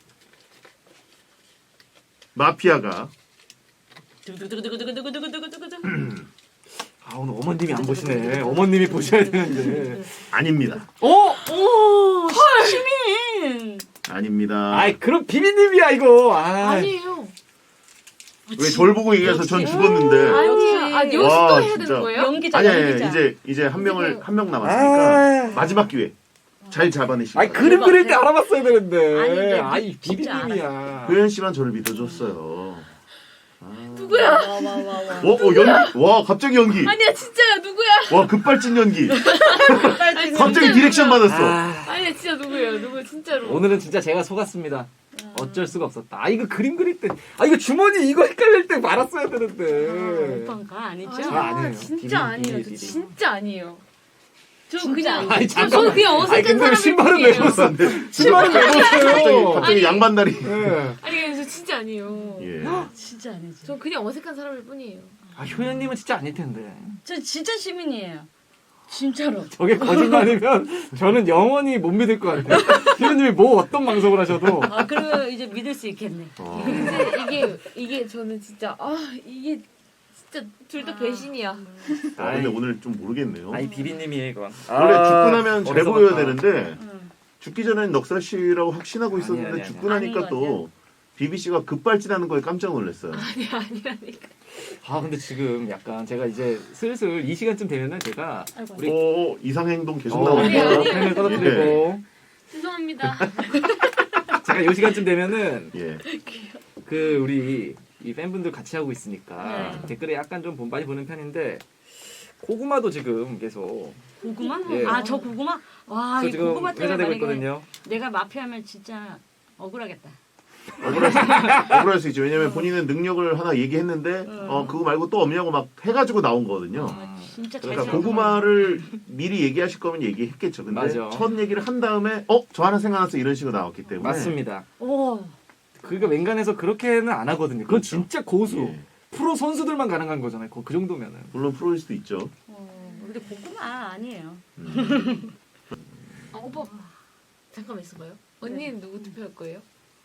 Speaker 1: 마피아가
Speaker 5: 두구두구두구두구두구두구두구두구.
Speaker 3: 아 오늘 어머님이 안 보시네. 어머님이 보셔야 되는데.
Speaker 1: 아닙니다.
Speaker 3: 어?
Speaker 5: 오 시민.
Speaker 1: 아닙니다.
Speaker 3: 아이 그럼 비비님이야 이거. 아.
Speaker 4: 아니에요.
Speaker 1: 왜 저를 보고 얘기해서 전 죽었는데.
Speaker 4: 아니, 아, 여기서
Speaker 1: 와,
Speaker 4: 또 해야
Speaker 1: 진짜.
Speaker 4: 되는 거예요?
Speaker 5: 연기자
Speaker 1: 아니, 아니,
Speaker 5: 연기자.
Speaker 1: 이제, 이제 한 명을, 한 명 남았으니까.
Speaker 3: 아.
Speaker 1: 마지막 기회. 잘 잡아내시기
Speaker 3: 아니
Speaker 1: 바랍니다.
Speaker 3: 그림 그릴 때 알아봤어야 되는데.
Speaker 5: 아니, 근데
Speaker 3: 아이
Speaker 5: 진짜
Speaker 3: 비비님이야.
Speaker 1: 효연 씨만 저를 믿어줬어요. 아.
Speaker 2: 누구야?
Speaker 5: 와와와와.
Speaker 1: 어, 어 연기. 와 갑자기 연기.
Speaker 2: 아니야 진짜야 누구야?
Speaker 1: 와 급발진 연기. 갑자기 디렉션 받았어.
Speaker 3: 아,
Speaker 2: 아니야 진짜 누구예요? 누구 진짜로?
Speaker 3: 오늘은 진짜 제가 속았습니다. 어쩔 수가 없었다. 아 이거 그림 그릴 때, 아 이거 주머니 이거 헷갈릴 때 말았어야 되는데.
Speaker 5: 오빠가 아니죠?
Speaker 3: 아,
Speaker 2: 아니야
Speaker 3: 아니에요.
Speaker 2: 진짜
Speaker 3: 비비,
Speaker 2: 아니에요.
Speaker 3: 비비,
Speaker 2: 저
Speaker 3: 비비.
Speaker 2: 진짜 아니에요. 저
Speaker 5: 진짜
Speaker 2: 그냥
Speaker 5: 아니에요.
Speaker 3: 아니
Speaker 2: 저,
Speaker 3: 잠깐만.
Speaker 2: 저 그냥
Speaker 3: 아니
Speaker 2: 어색한
Speaker 3: 근데
Speaker 2: 사람일
Speaker 3: 신발은 왜
Speaker 2: 뿐이에요.
Speaker 3: 벗었는데? 신발은 왜
Speaker 1: 갑자기
Speaker 3: 벗어요?
Speaker 1: 갑자기
Speaker 2: 아니.
Speaker 1: 양반다리.
Speaker 3: 예.
Speaker 2: 아니 저 진짜 아니에요.
Speaker 1: 예.
Speaker 5: 진짜 아니죠.
Speaker 2: 전 그냥 어색한 사람일 뿐이에요.
Speaker 3: 아 효연님은 진짜 아닐 텐데.
Speaker 5: 저 진짜 시민이에요. 진짜로.
Speaker 3: 저게 거짓말이면 저는 영원히 못 믿을 것 같아요. 효연님이 뭐 어떤 방송을 하셔도.
Speaker 5: 아 그러면 이제 믿을 수 있겠네.
Speaker 1: 어.
Speaker 2: 근데 이게 이게 저는 진짜 아 이게 진짜 둘 다 배신이야.
Speaker 1: 아, 근데 오늘 좀 모르겠네요.
Speaker 3: 아이 비비님이에요 이건.
Speaker 1: 원래
Speaker 3: 아,
Speaker 1: 죽고 나면 잘
Speaker 3: 어디서
Speaker 1: 보여야
Speaker 3: 봤다.
Speaker 1: 되는데
Speaker 5: 응.
Speaker 1: 죽기 전엔 넉살 씨라고 확신하고 있었는데
Speaker 3: 아니, 아니, 아니.
Speaker 1: 죽고 나니까
Speaker 5: 아닌 것
Speaker 1: 또 비비 씨가 급발진하는 거에 깜짝 놀랐어요.
Speaker 2: 아니 아니라니까.
Speaker 3: 아 근데 지금 약간 제가 이제 슬슬 이 시간쯤 되면은 제가
Speaker 5: 아이고.
Speaker 3: 우리
Speaker 1: 오 이상 행동 계속
Speaker 3: 어,
Speaker 2: 아니,
Speaker 1: 나오니까.
Speaker 2: 아니.
Speaker 3: 펜을 떨어뜨리고
Speaker 2: 죄송합니다.
Speaker 3: 제가 이 시간쯤 되면은
Speaker 1: 예.
Speaker 3: 그 우리 이 팬분들 같이 하고 있으니까
Speaker 5: 네.
Speaker 3: 댓글에 약간 좀 많이 보는 편인데 고구마도 지금 계속
Speaker 5: 고구마?
Speaker 3: 예.
Speaker 5: 아 저 고구마? 와,
Speaker 3: 저
Speaker 5: 이
Speaker 3: 지금
Speaker 5: 고구마 때문에
Speaker 3: 회자되고
Speaker 5: 만약에
Speaker 3: 있거든요.
Speaker 5: 내가 마피아면 진짜 억울하겠다.
Speaker 1: 억울할 수, 억울할 수 있죠. 왜냐면 본인은 능력을 하나 얘기했는데
Speaker 5: 어.
Speaker 1: 어 그거 말고 또 없냐고 막 해가지고 나온 거거든요.
Speaker 5: 아, 진짜 잘
Speaker 1: 그러니까
Speaker 5: 생각하네.
Speaker 1: 고구마를 미리 얘기하실 거면 얘기했겠죠. 근데
Speaker 3: 맞아.
Speaker 1: 첫 얘기를 한 다음에 어 저 하나 생각났어 이런 식으로 나왔기 때문에
Speaker 3: 맞습니다.
Speaker 5: 오.
Speaker 3: 그러니까 맹간에서 그렇게는 안 하거든요. 그건
Speaker 1: 그렇죠.
Speaker 3: 진짜 고수.
Speaker 1: 예.
Speaker 3: 프로 선수들만 가능한 거잖아요. 그, 그 정도면은.
Speaker 1: 물론 프로일 수도 있죠.
Speaker 5: 어, 근데 고구마 아니에요.
Speaker 1: 음.
Speaker 2: 아 오빠 잠깐만 있어봐요. 언니는 누구 투표할 거예요?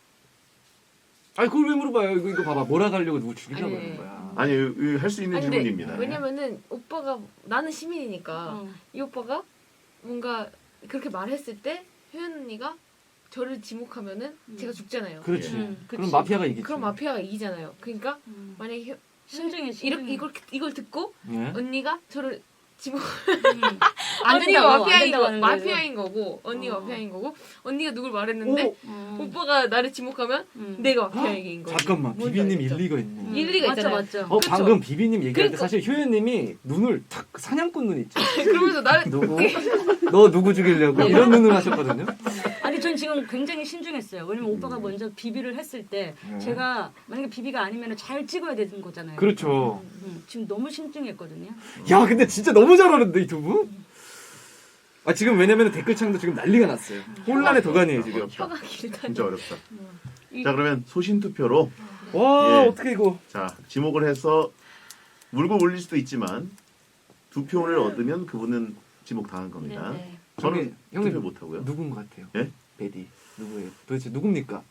Speaker 3: 아니 그걸 왜 물어봐요? 이거 이거 봐봐. 몰아가려고 누구 죽이려고
Speaker 2: 아니,
Speaker 3: 하는 거야.
Speaker 1: 아니 할 수 있는
Speaker 2: 아니, 근데
Speaker 1: 질문입니다.
Speaker 2: 왜냐면은 오빠가 나는 시민이니까
Speaker 5: 어.
Speaker 2: 이 오빠가 뭔가 그렇게 말했을 때 효연 언니가 저를 지목하면은
Speaker 5: 음.
Speaker 2: 제가 죽잖아요.
Speaker 3: 그렇지.
Speaker 1: 예.
Speaker 5: 음,
Speaker 3: 그럼
Speaker 5: 그치.
Speaker 3: 마피아가 이기지.
Speaker 2: 그럼 마피아가 이기잖아요. 그러니까
Speaker 5: 음.
Speaker 2: 만약에 효,
Speaker 5: 신중해, 신중해.
Speaker 2: 이렇게 이걸 이걸 듣고
Speaker 3: 예?
Speaker 2: 언니가 저를 지목
Speaker 5: 음. 안
Speaker 2: 언니가
Speaker 5: 된다고, 안
Speaker 2: 마피아인
Speaker 5: 된다고
Speaker 2: 거
Speaker 5: 하는 거예요.
Speaker 2: 마피아인 거고 언니가
Speaker 5: 어.
Speaker 2: 마피아인 거고 언니가 누굴 말했는데
Speaker 5: 음.
Speaker 2: 오빠가 나를 지목하면
Speaker 5: 음.
Speaker 2: 내가 마피아인 거지.
Speaker 3: 잠깐만.
Speaker 2: 뭔지
Speaker 3: 비비님
Speaker 2: 알겠죠?
Speaker 3: 일리가 있네.
Speaker 5: 음.
Speaker 2: 일리가
Speaker 5: 맞죠,
Speaker 2: 있잖아요.
Speaker 5: 맞죠.
Speaker 3: 어
Speaker 2: 그쵸?
Speaker 3: 방금 비비님 얘기할 때
Speaker 2: 그러니까.
Speaker 3: 사실 효연님이 눈을 탁 사냥꾼 눈 있죠.
Speaker 2: 그러면서 나를
Speaker 3: 누구? 너 누구 죽이려고 이런 눈을 하셨거든요.
Speaker 5: 아니 전 지금 굉장히 신중했어요. 왜냐면 오빠가 먼저 비비를 했을 때
Speaker 3: 네.
Speaker 5: 제가 만약에 비비가 아니면 잘 찍어야 되는 거잖아요.
Speaker 3: 그렇죠.
Speaker 5: 음, 지금 너무 신중했거든요.
Speaker 3: 야 근데 진짜 너무 잘하는데 이 두 분? 아 지금 왜냐면 댓글창도 지금 난리가 났어요. 혼란의 도가니에요 지금.
Speaker 2: 혀가 길다.
Speaker 1: 진짜 어렵다.
Speaker 2: 이-
Speaker 1: 자 그러면 소신 투표로
Speaker 3: 와
Speaker 1: 예.
Speaker 3: 어떻게 이거?
Speaker 1: 자 지목을 해서 물고 올릴 수도 있지만 두 표를 얻으면 그분은 지목 당한 겁니다.
Speaker 5: 네, 네.
Speaker 1: 저는
Speaker 3: 형님, 형님
Speaker 1: 투표 못 하고요.
Speaker 3: 누군 것 같아요?
Speaker 1: 예?
Speaker 3: 베디 누구예요? 도대체 누굽니까?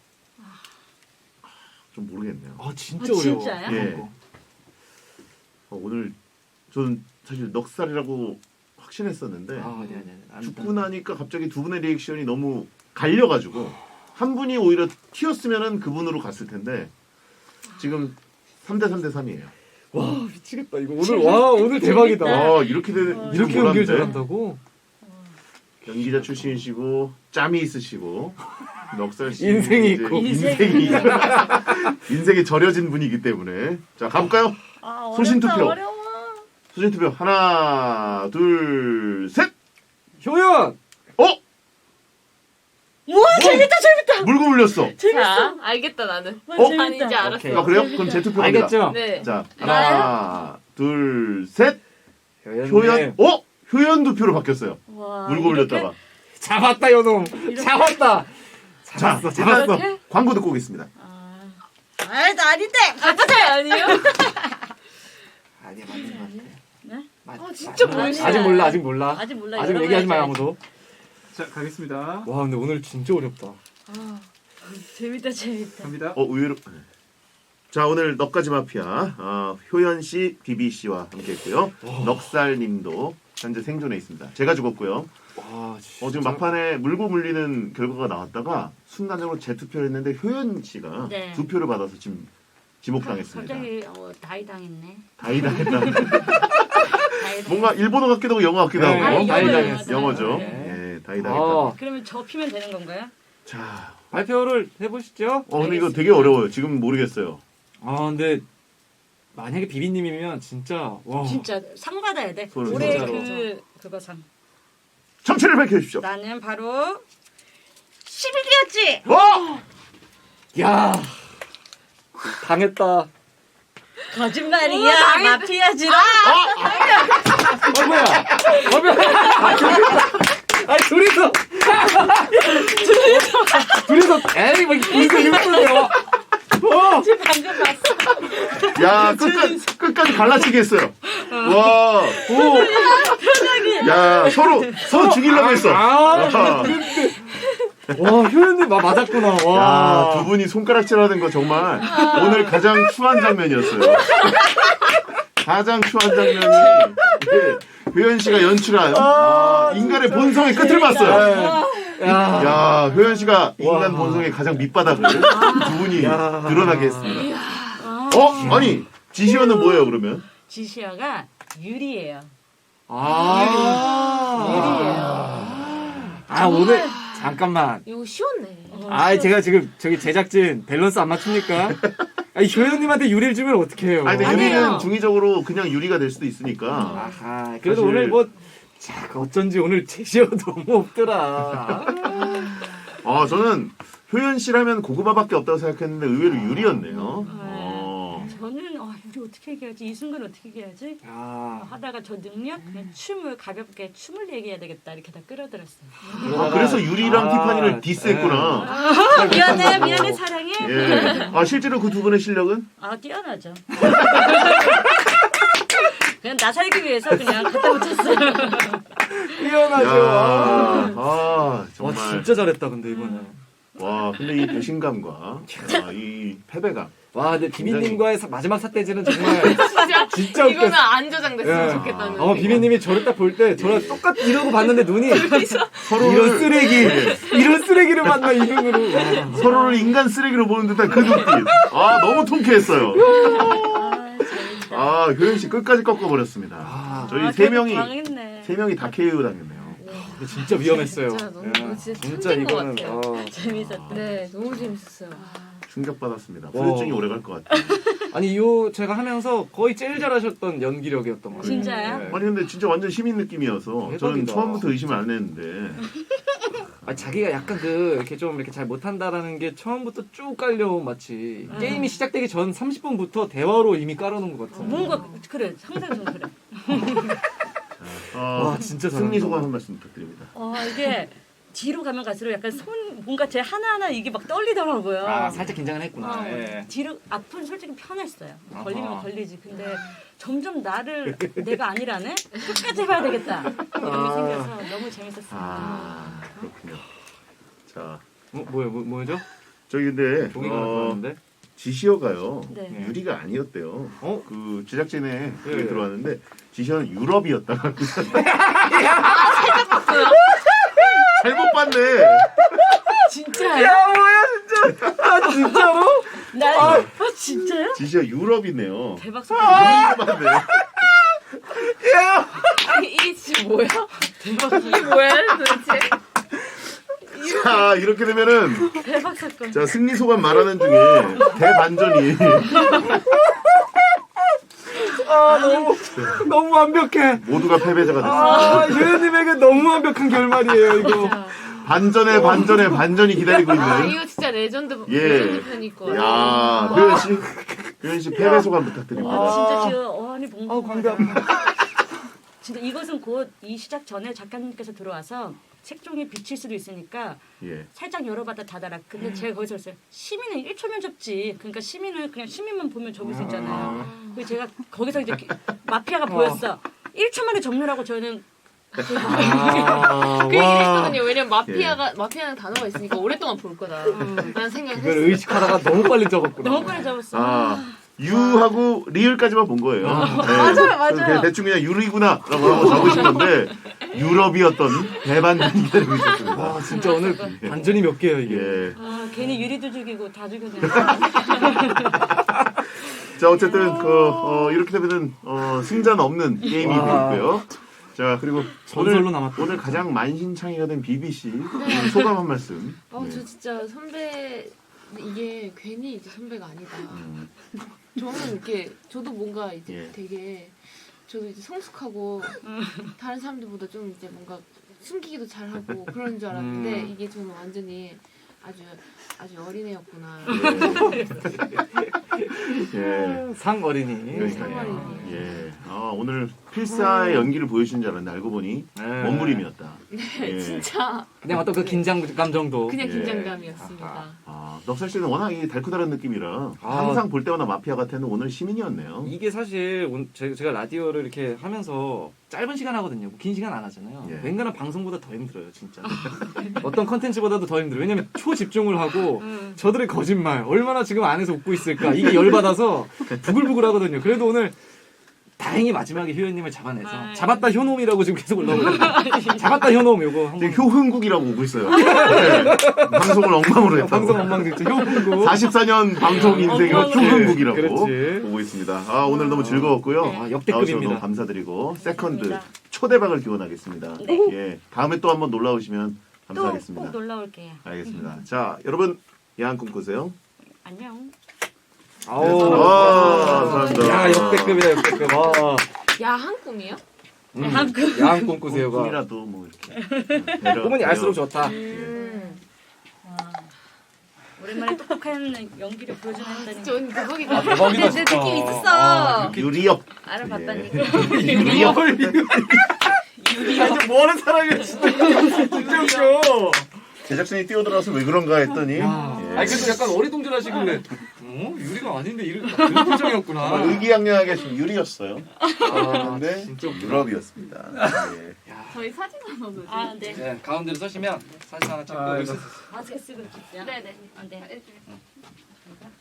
Speaker 1: 좀 모르겠네요.
Speaker 3: 아 진짜
Speaker 5: 아,
Speaker 3: 어려워.
Speaker 5: 진짜요?
Speaker 1: 예.
Speaker 3: 이거.
Speaker 1: 어, 오늘 저는 사실 넉살이라고 확신했었는데
Speaker 3: 아 아니 아니 아니. 안-
Speaker 1: 죽고 나니까 갑자기 두 분의 리액션이 너무 갈려가지고 한 분이 오히려 튀었으면은 그분으로 갔을 텐데 지금 삼 대 삼 대 삼이에요.
Speaker 3: 와 미치겠다 이거 오늘 와 오늘 대박이다.
Speaker 1: 아 이렇게 되
Speaker 3: 이렇게 연기를 잘한다고?
Speaker 1: 연기자 출신이시고 짬이 있으시고 넉살 씨
Speaker 3: 인생이
Speaker 1: 이제
Speaker 3: 있고.
Speaker 1: 인생이 인생이 절여진 분이기 때문에 자 가볼까요?
Speaker 5: 아,
Speaker 1: 소신
Speaker 5: 어렵다,
Speaker 1: 투표.
Speaker 5: 어려워.
Speaker 1: 소신 투표 하나 둘 셋.
Speaker 3: 효연!
Speaker 1: 어
Speaker 5: 우와 재밌다 재밌다.
Speaker 1: 물고 물렸어.
Speaker 2: 자, 알겠다 나는.
Speaker 5: 와,
Speaker 1: 어?
Speaker 5: 재밌다.
Speaker 2: 아니 이제 알았어.
Speaker 3: 오케이.
Speaker 1: 아 그래요? 그럼 제 투표 갑니다.
Speaker 3: 알겠죠?
Speaker 2: 네.
Speaker 1: 자 하나 둘 셋.
Speaker 3: 효연님.
Speaker 1: 효연 어 효연 투표로 바뀌었어요.
Speaker 5: 와,
Speaker 1: 물고
Speaker 5: 이렇게?
Speaker 1: 물렸다가
Speaker 3: 잡았다 요놈. 잡았다.
Speaker 1: 자
Speaker 3: 잡았어 잡았어.
Speaker 5: 이렇게?
Speaker 1: 광고 듣고 오겠습니다.
Speaker 5: 아, 아이 나 아닌데.
Speaker 2: 아빠 아니에요?
Speaker 3: 아니야 맞는 것 같아.
Speaker 5: 네?
Speaker 3: 맞-
Speaker 2: 아, 진짜
Speaker 3: 맞는 것
Speaker 2: 모르시네.
Speaker 3: 같아. 아직 몰라 아직 몰라.
Speaker 5: 아직 몰라.
Speaker 3: 아직
Speaker 5: 여러
Speaker 3: 얘기하지
Speaker 5: 번
Speaker 3: 마요
Speaker 5: 해야지.
Speaker 3: 아무도.
Speaker 6: 자 가겠습니다.
Speaker 3: 와 근데 오늘 진짜 어렵다.
Speaker 2: 아,
Speaker 5: 재밌다 재밌다.
Speaker 6: 갑니다.
Speaker 1: 어 의외로 자 오늘 넉가지 마피아 어, 효연 씨, 비비 씨와 함께했고요. 넉살님도 현재 생존해 있습니다. 제가 죽었고요.
Speaker 3: 와 진짜.
Speaker 1: 어, 지금 막판에 물고 물리는 결과가 나왔다가 순간적으로 재투표를 했는데 효연 씨가
Speaker 5: 네.
Speaker 1: 두 표를 받아서 지금 지목당했습니다.
Speaker 5: 갑자기 어, 다이 당했네.
Speaker 1: 다이당했다.
Speaker 5: 다이 당.
Speaker 1: 뭔가 일본어 같기도 하고 영어 같기도
Speaker 3: 네,
Speaker 1: 하고
Speaker 3: 다이
Speaker 5: 영어예요.
Speaker 3: 당했어.
Speaker 1: 영어죠.
Speaker 3: 네.
Speaker 1: 예, 다이다.
Speaker 3: 어,
Speaker 5: 그러면 저 피면 되는 건가요?
Speaker 1: 자,
Speaker 3: 발표를 해보시죠.
Speaker 1: 어 근데 이거 되게 어려워요. 지금 모르겠어요.
Speaker 3: 아 근데 만약에 비비님이면 진짜 와.
Speaker 5: 진짜 상 받아야 돼.
Speaker 1: 손을
Speaker 5: 올해
Speaker 3: 진짜로.
Speaker 5: 그 그거 상.
Speaker 1: 정체를 밝혀주십시오.
Speaker 5: 나는 바로 십일 기였지.
Speaker 1: 와!
Speaker 3: 야 당했다.
Speaker 5: 거짓말이야. 마피아지라.
Speaker 3: 어 뭐야? 어 뭐야? 아 둘이서 둘이서 둘이서 에이 뭐 둘이서 이러면요. 어.
Speaker 5: 지금 방금 봤어.
Speaker 1: 야 끝까지 끝까지 갈라치기 했어요. 와, 오, 야 서로 서로 죽이려고 했어.
Speaker 3: 아,
Speaker 1: 와.
Speaker 3: 와 효연님 마 맞았구나. 와.
Speaker 1: 야, 두 분이 손가락질하는 거 정말 오늘 가장 추한 장면이었어요. 가장 추한 장면이 이게 효연 씨가 연출한 아, 인간의 본성의 끝을 봤어요.
Speaker 3: 야.
Speaker 1: 야, 효연 씨가 인간
Speaker 3: 와.
Speaker 1: 본성의 가장 밑바닥을 두 분이
Speaker 3: 야.
Speaker 1: 드러나게 했습니다. 어? 아니, 지시어는 뭐예요, 그러면?
Speaker 5: 지시어가 유리예요.
Speaker 3: 아. 아 오늘 잠깐만.
Speaker 2: 이거 쉬웠네.
Speaker 3: 아 제가 지금 저기 제작진 밸런스 안 맞춥니까? 아니 효연님한테 유리를 주면 어떡해요?
Speaker 1: 아니, 근데
Speaker 2: 아니에요.
Speaker 1: 유리는 중의적으로 그냥 유리가 될 수도 있으니까.
Speaker 3: 아하, 그래도
Speaker 1: 사실-
Speaker 3: 오늘 뭐, 자, 어쩐지 오늘 제시어 너무 없더라.
Speaker 1: 아, 저는 효연 씨라면 고구마밖에 없다고 생각했는데 의외로 유리였네요. 어.
Speaker 5: 저는 어, 유리 어떻게 얘기하지? 이 순간 어떻게 얘기하지? 어,
Speaker 3: 야,
Speaker 5: 하다가 저 능력 그냥 춤을 가볍게 춤을 얘기해야 되겠다 이렇게 다 끌어들었어요.
Speaker 1: 아, 그래서 유리랑
Speaker 3: 아,
Speaker 1: 티파니를 디스했구나.
Speaker 5: 아, 미안해 미안해 사랑해.
Speaker 1: 예. 아, 실제로 그 두 분의 실력은?
Speaker 5: 아 뛰어나죠. 그냥 나 살기 위해서 그냥 갖다 붙였어요.
Speaker 3: 뛰어나죠.
Speaker 1: 야, 아,
Speaker 3: 와,
Speaker 1: 정말.
Speaker 3: 진짜 잘했다, 근데 이번에.
Speaker 1: 와, 근데 이 배신감과 아, 이 패배감.
Speaker 3: 와, 근데 비비님과의 사- 마지막 삿대질은 정말
Speaker 2: 진짜
Speaker 3: 진짜
Speaker 2: 이거는
Speaker 3: 웃겼어.
Speaker 2: 안 저장됐으면
Speaker 3: 예.
Speaker 2: 좋겠다는.
Speaker 3: 어, 비비님이 저를 딱 볼 때 저랑 똑같 이러고 봤는데 눈이
Speaker 1: 서로를,
Speaker 3: 이런 쓰레기, 이런 쓰레기를 만나 이 눈으로. 와.
Speaker 1: 서로를 인간 쓰레기로 보는 듯한 그 눈빛. 아, 너무 통쾌했어요. 아, 효연 씨 끝까지 꺾어버렸습니다.
Speaker 3: 아,
Speaker 1: 저희
Speaker 5: 아,
Speaker 1: 세
Speaker 5: 결국
Speaker 1: 명이,
Speaker 5: 당했네.
Speaker 1: 세 명이 다 케이오 당했네요.
Speaker 3: 근데 진짜 위험했어요.
Speaker 2: 진짜 너무-
Speaker 3: 야,
Speaker 2: 진짜
Speaker 3: 진짜
Speaker 2: 천재인 것
Speaker 3: 이거는
Speaker 2: 같아요.
Speaker 3: 어.
Speaker 5: 재밌었다.
Speaker 2: 네, 너무 재밌었어요.
Speaker 1: 충격받았습니다.
Speaker 3: 와.
Speaker 1: 후유증이 오래 갈 것 같아요.
Speaker 3: 아니 요 제가 하면서 거의 제일 잘하셨던 연기력이었던 것 같아요.
Speaker 5: 진짜요?
Speaker 3: 네.
Speaker 1: 아니, 근데 진짜 완전 시민 느낌이어서 저는
Speaker 3: 대박이다.
Speaker 1: 처음부터 의심을 안 했는데.
Speaker 3: 아, 자기가 약간 그 이렇게 좀 이렇게 잘 못한다라는 게 처음부터 쭉 깔려온 마치 게임이 시작되기 전 삼십 분부터 대화로 이미 깔아놓은 것 같아.
Speaker 5: 뭔가 그래 상상 좀 그래.
Speaker 1: 아,
Speaker 3: 와, 진짜
Speaker 1: 승리
Speaker 3: 잘한다.
Speaker 1: 소감 한 말씀 부탁드립니다.
Speaker 5: 어 이게 뒤로 가면 갈수록 약간 손 뭔가 제 하나하나 이게 막 떨리더라고요.
Speaker 3: 아 살짝 긴장을 했구나.
Speaker 5: 어,
Speaker 3: 예.
Speaker 5: 뒤로 앞은 솔직히 편했어요.
Speaker 3: 아하.
Speaker 5: 걸리면 걸리지. 근데 점점 나를 내가 아니라네. 끝까지 해봐야 되겠다. 이런
Speaker 3: 아.
Speaker 5: 게 생겨서 너무 재밌었어요.
Speaker 1: 아, 그렇군요. 자,
Speaker 3: 뭐 뭐요 뭐, 뭐죠?
Speaker 1: 저기 근데,
Speaker 3: 종이가
Speaker 1: 어,
Speaker 3: 나왔는데.
Speaker 1: 지시어가요.
Speaker 5: 네.
Speaker 1: 유리가 아니었대요.
Speaker 3: 어?
Speaker 1: 그 제작진에 그게
Speaker 3: 예.
Speaker 1: 들어왔는데 지시어는 유럽이었다. 잘못 봤네.
Speaker 5: 진짜요?
Speaker 3: 야 뭐야 진짜? 아 진짜로?
Speaker 5: 나 아, 진짜요?
Speaker 1: 지시어 유럽이네요.
Speaker 5: 대박 사건.
Speaker 1: 잘못 봤네.
Speaker 3: 야!
Speaker 2: 이게, 이게 지금 뭐야? 이게 뭐야 도대체?
Speaker 1: 자, 이렇게 되면은
Speaker 5: 대박 사건.
Speaker 1: 자, 승리 소감 말하는 중에 대반전이
Speaker 3: 아 너무 너무 완벽해.
Speaker 1: 모두가 패배자가 됐습니다.
Speaker 3: 아 유현님에게 너무 완벽한 결말이에요 이거.
Speaker 1: 반전에 반전에 반전이 기다리고
Speaker 2: 아
Speaker 1: 있는.
Speaker 2: 이거 진짜 레전드
Speaker 1: 예.
Speaker 2: 레전드 편일 거.
Speaker 1: 야, 효연 씨, 효연 씨 패배 소감 부탁드립니다.
Speaker 5: 아, 진짜 지금 어안이 벙벙.
Speaker 3: 아 광대 아파.
Speaker 5: 진짜 이것은 곧 이 시작 전에 작가님께서 들어와서 색종이 비칠 수도 있으니까
Speaker 1: 예.
Speaker 5: 살짝 열어봤다 닫아라. 근데 제가 거기서 했어요. 시민은 일 초면 접지. 그러니까 시민을 그냥 시민만 보면 접을 수 있잖아요. 그래서 제가 거기서 이제 기- 마피아가 보였어. 일 초 만에 접느라고 저는
Speaker 3: 아,
Speaker 2: 그 얘기를
Speaker 3: 와.
Speaker 2: 했거든요. 왜냐면 마피아가 마피아는 단어가 있으니까 오랫동안 볼 거다. 라는 생각을
Speaker 3: 그걸
Speaker 2: 했어요.
Speaker 3: 의식하다가 너무 빨리 적었구나.
Speaker 5: 너무 빨리 접었어.
Speaker 1: 아, 유하고 리을까지만 본 거예요. 네.
Speaker 5: 맞아요, 맞아요.
Speaker 1: 그냥 대충 그냥 유리구나라고 하고 적으신 건데 유럽이었던 대반전이 기다리고 있었습니다.
Speaker 3: 와 진짜 오늘 반전이 몇 개예요 이게.
Speaker 1: 예.
Speaker 5: 아, 괜히 유리도 죽이고 다 죽였네.
Speaker 1: 자, 어쨌든 그 어, 이렇게 되면은 어, 승자는 없는 게임이
Speaker 3: 와.
Speaker 1: 되고요. 자 그리고
Speaker 3: 전설로
Speaker 1: 오늘
Speaker 3: 남았다.
Speaker 1: 오늘 가장 만신창이가 된 비비 씨 오늘 소감 한 말씀.
Speaker 4: 어,
Speaker 1: 네.
Speaker 4: 저 진짜 선배 이게 괜히 이제 선배가 아니다.
Speaker 1: 음,
Speaker 4: 저는 이렇게 저도 뭔가 이제
Speaker 1: 예.
Speaker 4: 되게 저도 이제 성숙하고 다른 사람들보다 좀 이제 뭔가 숨기기도 잘하고 그런 줄 알았는데
Speaker 3: 음.
Speaker 4: 이게 저는 완전히 아주 아주 어린애였구나.
Speaker 1: 예.
Speaker 3: 상 어린이.
Speaker 1: 그러니까요.
Speaker 4: 상어린이.
Speaker 1: 예. 아 오늘 필사의 연기를 보여주신 줄 알았는데 알고 보니
Speaker 3: 네.
Speaker 1: 몸부림이었다. 예.
Speaker 4: 진짜
Speaker 3: 그냥 어떤 그 긴장감 정도.
Speaker 4: 그냥
Speaker 1: 예.
Speaker 4: 긴장감이었습니다.
Speaker 1: 아, 넉살 씨는 워낙 이 달코다른 느낌이라
Speaker 3: 아.
Speaker 1: 항상 볼 때마다 마피아 같았는데 오늘 시민이었네요.
Speaker 3: 이게 사실 온- 제- 제가 라디오를 이렇게 하면서 짧은 시간 하거든요. 긴 시간 안 하잖아요.
Speaker 1: 예.
Speaker 3: 웬간한 방송보다 더 힘들어요, 진짜. 어떤 컨텐츠보다도 더 힘들어요. 왜냐면 초집중을 하고
Speaker 5: 음.
Speaker 3: 저들의 거짓말 얼마나 지금 안에서 웃고 있을까 이게 열받아서 부글부글 하거든요. 그래도 오늘 다행히 마지막에 효연님을 잡아내서
Speaker 5: 아,
Speaker 3: 잡았다 효놈이라고 지금 계속 올라오고 있거든요. 잡았다 효놈 요거 한번
Speaker 1: 지금 효흥국이라고 오고 있어요. 네. 방송을 엉망으로 했다고.
Speaker 3: 방송 엉망됐죠. 효흥국.
Speaker 1: 사십사 년 방송 인생의
Speaker 5: 엉망으로.
Speaker 1: 효흥국이라고
Speaker 3: 그렇지.
Speaker 1: 보고 있습니다. 아 오늘 너무 즐거웠고요.
Speaker 3: 아,
Speaker 1: 나와주셔서
Speaker 3: 역대급입니다.
Speaker 1: 너무 감사드리고 세컨드
Speaker 5: 감사합니다.
Speaker 1: 초대박을 기원하겠습니다.
Speaker 5: 네.
Speaker 1: 예, 다음에 또 한번 놀라 오시면
Speaker 5: 또
Speaker 1: 감사하겠습니다.
Speaker 5: 꼭 놀러 올게요.
Speaker 1: 알겠습니다. 자 여러분 야한 꿈 꾸세요.
Speaker 5: 안녕.
Speaker 3: 아우.
Speaker 1: 아, 감사합니다.
Speaker 3: 야 역대급이다 역대급. 아.
Speaker 4: 야한 꿈이요?
Speaker 3: 음,
Speaker 5: 야한 꿈.
Speaker 3: 야한 꿈 꾸세요가.
Speaker 1: 꿈이라도 뭐 이렇게 배려,
Speaker 3: 꿈은 얄수록
Speaker 1: 배려.
Speaker 3: 좋다.
Speaker 5: 음. 와. 오랜만에 똑똑한 연기를 보여주나
Speaker 4: 진짜
Speaker 5: 했다니.
Speaker 4: 오늘 대박이다.
Speaker 3: 대박이다
Speaker 5: 내
Speaker 3: 진짜.
Speaker 5: 느낌 있었어.
Speaker 3: 아,
Speaker 1: 유리역.
Speaker 5: 알아봤다니까.
Speaker 1: 예. 유리역.
Speaker 3: 아, 뭐 하는 사람이야 진짜. 진짜 웃겨.
Speaker 1: 제작진이 뛰어들어서 왜 그런가 했더니
Speaker 3: 야.
Speaker 1: 예.
Speaker 3: 아니 그래도 약간 어리둥절하시길래 어? 유리가 아닌데 이런 그런 표정이었구나.
Speaker 1: 아, 의기양양하게 지금 유리였어요.
Speaker 3: 아,
Speaker 1: 근데
Speaker 3: 진짜 웃기다.
Speaker 1: 유럽이었습니다. 예.
Speaker 4: 저희 사진 하나 넣어주세요.
Speaker 5: 아, 네.
Speaker 3: 네, 가운데로 서시면 사진 하나 찍고
Speaker 6: 아,
Speaker 3: 여기서
Speaker 5: 마스크 쓰고 있죠.
Speaker 4: 네네.
Speaker 5: 아, 네.